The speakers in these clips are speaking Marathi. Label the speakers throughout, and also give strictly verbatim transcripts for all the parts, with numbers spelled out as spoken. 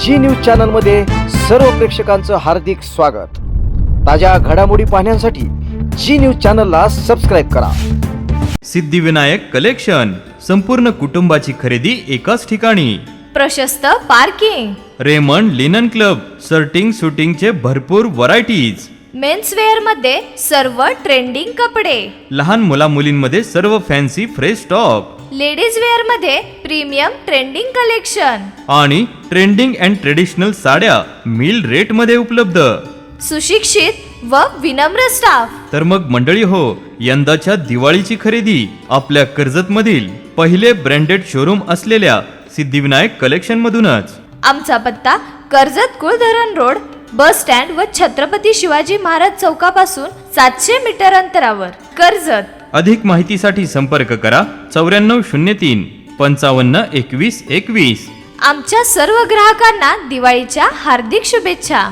Speaker 1: जी न्यूज चॅनल मध्ये सर्व प्रेक्षकांचं हार्दिक स्वागत। ताज्या घडामोडी पाहण्यासाठी जी न्यूज चॅनलला सबस्क्राइब करा।
Speaker 2: सिद्धिविनायक कलेक्शन, संपूर्ण कुटुंबाची खरेदी एकाच ठिकाणी।
Speaker 3: प्रशस्त parking,
Speaker 2: Raymond linen club, shirting शूटिंगचे भरपूर व्हरायटीज।
Speaker 3: मेन्स वेअर मध्ये सर्व ट्रेंडिंग कपडे,
Speaker 2: लहान मुला मुलींमध्ये सर्व fancy fresh stock,
Speaker 3: ladies wear मध्ये प्रीमियम ट्रेंडिंग कलेक्शन
Speaker 2: आणि ट्रेंडिंग अँड ट्रेडिशनल साड्या मिल रेट मध्ये उपलब्ध।
Speaker 3: सुशिक्षित व विनम्र स्टाफ।
Speaker 2: तर मग मंडळी हो, यंदाच्या दिवाळीची खरेदी आपल्या कर्जत मधील पहिले ब्रँडेड शोरूम असलेल्या सिद्धिविनायक कलेक्शन मधूनच।
Speaker 3: आमचा पत्ता Karjat Kuldharan road, bus stand व छत्रपती शिवाजी महाराज चौकापासून सातशे मीटर अंतरावर, कर्जत।
Speaker 2: अधिक माहितीसाठी संपर्क करा चौऱ्याण्णव शून्य तीन पंचावन्न एकवीस एकवीस।
Speaker 3: आमच्या सर्व ग्राहकांना दिवाळीच्या हार्दिक शुभेच्छा।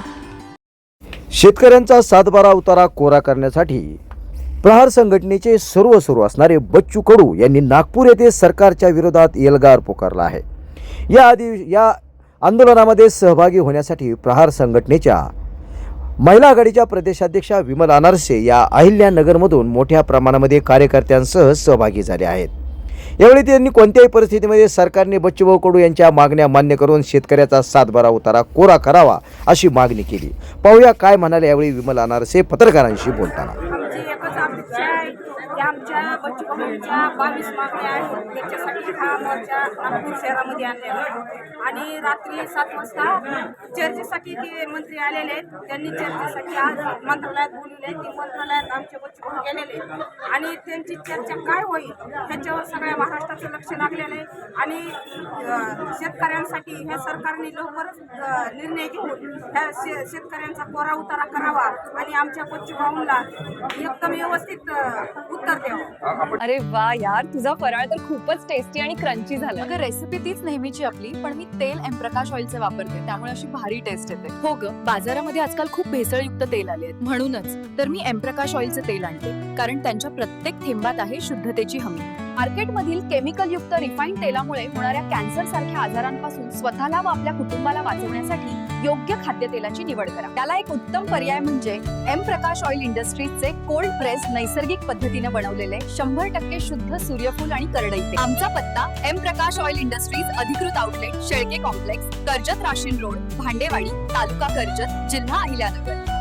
Speaker 1: शेतकऱ्यांचा सातबारा उतारा कोरा करण्यासाठी प्रहार संघटनेचे सर्व सुरू असणारे बच्चू कडू यांनी नागपूर येथे सरकारच्या विरोधात एल्गार पुकारला आहे। या आधी या आंदोलनामध्ये सहभागी होण्यासाठी प्रहार संघटनेच्या महिला आघाडीच्या प्रदेशाध्यक्षा विमल अनारसे या अहिल्यानगरमधून मोठ्या प्रमाणामध्ये कार्यकर्त्यांसह सहभागी झाले आहेत। यावेळी त्यांनी कोणत्याही परिस्थितीमध्ये सरकारने बच्चूभाऊ कडू यांच्या मागण्या मान्य करून शेतकऱ्याचा सातबारा उतारा कोरा करावा अशी मागणी केली। पाहूया काय म्हणाले यावेळी विमल अनारसे पत्रकारांशी बोलताना।
Speaker 4: आमची एकच अपेक्षा आहे की आमच्या बच्चूभाऊंच्या बावीस मागण्या आहेत, त्याच्यासाठी हा मोर्चा नागपूर शहरामध्ये आणलेला आहे। आणि रात्री सात वाजता चर्चेसाठी ते मंत्री आलेले आहेत, त्यांनी चर्चेसाठी आज मंत्रालयात बोलवले। ती मंत्रालयात आमचे बच्चूभाऊ गेलेले आणि त्यांची चर्चा काय होईल ह्याच्यावर सगळ्या महाराष्ट्राचं लक्ष लागलेलं आहे। आणि शेतकऱ्यांसाठी ह्या सरकारने लवकरच निर्णय घेऊन ह्या शे शेतकऱ्यांचा कोरा उतारा करावा आणि आमच्या बच्चूभाऊंना एकदम व्यवस्थित उत्तर द्यावं।
Speaker 5: अरे वा यार, तुझा फराळ तर खूपच टेस्टी आणि क्रंची झाला।
Speaker 6: अगं रेसिपी तीच नेहमीची आपली, पण मी तेल एम प्रकाश ऑइलचे वापरते, त्यामुळे अशी भारी टेस्ट येते। हो ग, बाजारामध्ये आजकाल खूप भेसळयुक्त तेल आले आहेत, म्हणूनच तर मी एम प्रकाश ऑइलचे तेल आणते, कारण त्यांच्या प्रत्येक थेंबात आहे शुद्धतेची हमी। मार्केटमधील केमिकल युक्त रिफाईंड तेलामुळे होणाऱ्या कॅन्सर सारख्या आजारांपासून स्वतःला व आपल्या कुटुंबाला वाचवण्यासाठी योग्य खाद्यतेलाची निवड करा। त्याला एक उत्तम पर्याय म्हणजे एम प्रकाश ऑइल इंडस्ट्रीजचे कोल्ड प्रेस नैसर्गिक पद्धतीने बनवलेले शंभर टक्के शुद्ध सूर्यफूल आणि करडई तेल। आमचा पत्ता एम प्रकाश ऑइल इंडस्ट्रीज अधिकृत outlet, Shelke complex, Karjat Rashin road, Bhandewadi, तालुका कर्जत, जिल्हा अहिल्यानगर।